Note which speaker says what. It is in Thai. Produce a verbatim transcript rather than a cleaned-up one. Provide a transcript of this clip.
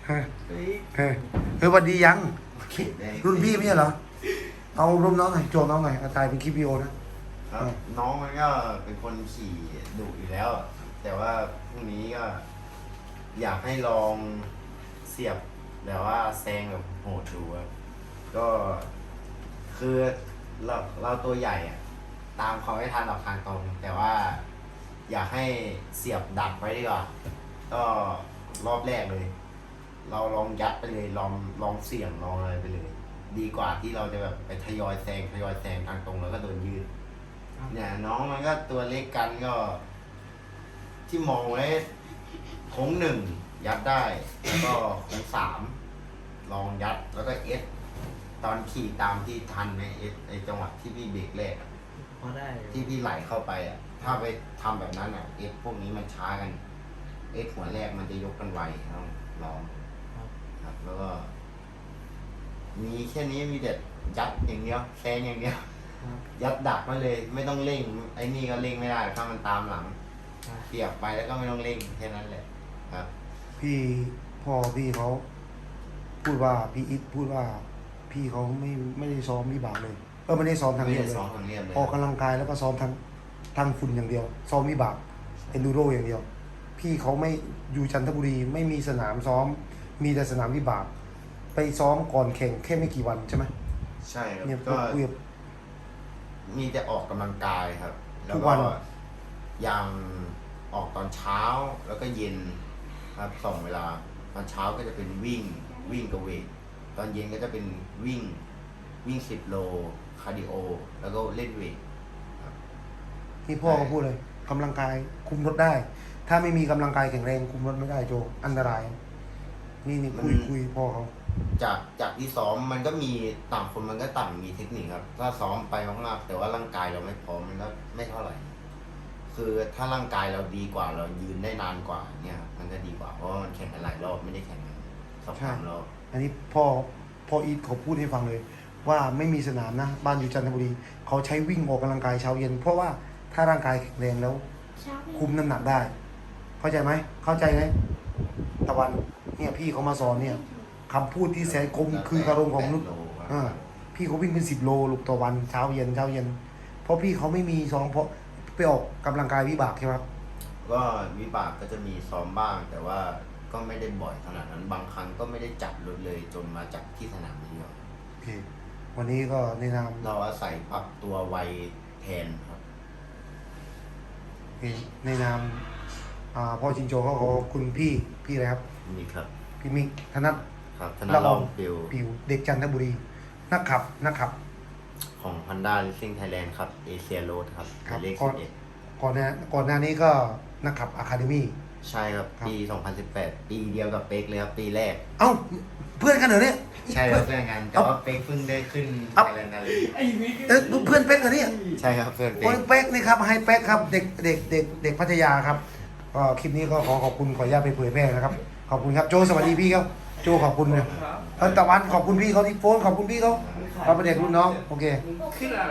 Speaker 1: ฮะ
Speaker 2: เฮ้ย
Speaker 1: เฮ้ยเฮ้ยวันดียัง
Speaker 2: เข็ดเลย
Speaker 1: รุ่นพี่ไม่ใช่เหรอเอาร่มน้องหน่อยโจมน้องหน่อยเอาถ่ายเป็นคลิปวิดีโอนะครับ
Speaker 2: น้องมันก็เป็นคนขี่ดุอยู่แล้ว แต่ว่าพรุ่งนี้ก็ อยากให้ลองเสียบแบบว่าแซงแบบโหดดูครับก็คือเราเราตัวใหญ่อะตามเขาไม่ทันหรอกทางตรง แต่ว่า อยากให้เสียบดักไว้ดีกว่า ก็รอบแรกเลย เราลองยัดไปเลยลองลองเสี่ยงลองอะไรไปเลย ดีกว่าที่เราจะแบบไปทยอยแซงทยอยแซงทางตรงแล้วก็โดนยืดเนี่ยน้องมันก็ตัวเล็กกันก็ ที่มองไว้โค้งหนึ่งยัดได้ แล้วก็โค้งสามลองยัดแล้วก็เอสตอนขี่ตามที่ทันไหมเอสไอจังหวะที่พี่เบรกแรกอะ
Speaker 3: พอได้
Speaker 2: ที่พี่ไหลเข้าไปอ่ะ ถ้าไปทำแบบนั้นอ่ะเอสพวกนี้มันช้ากันเอสหัวแรกมันจะยกกันไวต้องลองครับ แล้วก็ มีแค่นี้มีแต่ยัดอย่างเดียวแซงอย่างเดียว ยัดดักมาเลย ไม่ต้องเร่งไอ้นี่ก็เร่งไม่ได้ถ้ามันตามหลังเปียกไปแล้วก็ไม่ต้องเร่งแค่นั้นแหละครับ
Speaker 1: พี่พ่อพี่เขาพูดว่าพี่อิทพูดว่า พี่เขาไม่ไม่ได้ซ้อมวิบากเลยเออไม่ได้ซ้อมทาง
Speaker 2: ไม่
Speaker 1: เรียบ
Speaker 2: ได้
Speaker 1: เลย
Speaker 2: ซ้อมทางเรียบเลย
Speaker 1: ออกกำลังกายแล้วก็ซ้อมทางทางฝุ่นอย่างเดียว ซ้อมวิบากเอนดูโรอย่างเดียว พี่เขาไม่อยู่จันทบุรีไม่มีสนามซ้อม มีแต่สนามวิบาก ไปซ้อมก่อนแข่งแค่ไม่กี่วันใช่ไหม
Speaker 2: ใช่ครับ
Speaker 1: เนี่ย
Speaker 2: ก็
Speaker 1: คุยกับ
Speaker 2: มีแต่ออกกำลังกายครับ แล้
Speaker 1: ทุ
Speaker 2: ว
Speaker 1: กวั
Speaker 2: ก็
Speaker 1: น
Speaker 2: อย่างออกตอนเช้าแล้วก็เย็นครับสองเวลา ตอนเช้าก็จะเป็นวิ่งวิ่งกับเวทตอนเย็นก็จะเป็นวิ่งวิ่งสิบโลคาร์ดิโอ แล้วก็เล่นเวท
Speaker 1: ที่พ่อเขาพูดเลยกำลังกายคุมรถได้ ถ้าไม่มีกำลังกายแข็งแรงคุมรถไม่ได้โจอันตราย นี่นี่คุยคุยพ่อเขา
Speaker 2: จากจากที่ซ้อมมันก็มีต่างคนมันก็ต่างมีเทคนิคครับ ถ้าซ้อมไปมากๆแต่ว่าร่างกายเราไม่พร้อมมันก็ไม่เท่าไหร่ คือถ้าร่างกายเราดีกว่าเรายืนได้นานกว่าเนี่ยครับมันก็ดีกว่าเพราะว่ามันแข่งกันหลายรอบไม่ได้แข่งกันสองสามรอบ
Speaker 1: อันนี้พ่อพ่ออีทเขาพูดให้ฟังเลย ว่าไม่มีสนามนะบ้านอยู่จันทบุรีเขาใช้วิ่งออกกำลังกายเช้าเย็น เพราะว่าถ้าร่างกายแข็งแรงแล้ว คุมน้ำหนักได้ เข้าใจไหมเข้าใจไหมตะวันเนี่ยพี่เขามาสอนเนี่ยคำพูดที่แสนคมคือคารมของมนุษย์อ่าพี่เขาวิ่งเป็นสิบโลลูกต่อวันเช้าเย็นเช้าเย็น เพราะพี่เขาไม่มีซ้อมเพราะไปออกกำลังกายวิบากใช่ไหมครับ
Speaker 2: ก็วิบากก็จะมีซ้อมบ้าง แต่ว่าก็ไม่ได้บ่อยขนาดนั้นบางครั้งก็ไม่ได้จับรถเลยจนมาจับที่สนามนี้ครับ
Speaker 1: โอเค วันนี้ก็ในนาม
Speaker 2: เราอาศัยปรับตัวไวแทนครับ
Speaker 1: โอเคในนามอ่าพ่อชินโจเขาขอขอบคุณพี่พี่อะไรครับ
Speaker 2: นี่ครับ
Speaker 1: พี่มิกธนัท
Speaker 2: ครับธนาลองฟิล
Speaker 1: ปิวเด็กจันทบุรีนักขับนักขับ
Speaker 2: ของ Honda Racing Thailand ครับ Asia Road ครับ
Speaker 1: ครับ
Speaker 2: เลข
Speaker 1: ก่อน
Speaker 2: สิบเอ็ด
Speaker 1: ก่อนหน้าก่อนหน้านี้ก็นักขับอะคาเดมี่
Speaker 2: ใช่ครับ
Speaker 1: ครับ
Speaker 2: ปี สองพันสิบแปด ปีเดียวกับเป๊กเลยครับ ปีแรก
Speaker 1: เอ้าเพื่อนกันเหรอเนี่ย
Speaker 2: ใช่ครับเพื่อนกันแต่ว่าเป๊กเพิ่งได้ขึ้น
Speaker 1: เอ้า
Speaker 2: Thailand Rally
Speaker 3: ไอ้วิก
Speaker 1: เอ้ยเพื่อนเป๊กเหรอเนี่ย
Speaker 2: ใช่ครับเพื่อนเป๊
Speaker 1: โอ้
Speaker 2: ก
Speaker 1: ยเป๊กนี่ครับให้เป๊กครับเด็กเด็กเด็กเด็กพัทยาครับก็คลิปนี้ก็ขอขอบคุณขออนุญาตไปเผยแพร่นะครับขอบคุณครับโจสวัสดีพี่ครับโจขอบคุณเลยเออตะวันขอบคุณพี่เขาที่โฟนขอบคุณพี่เขาเราเป็นเด็กรุ่นน้องโอเค
Speaker 3: ขึ้นอะไร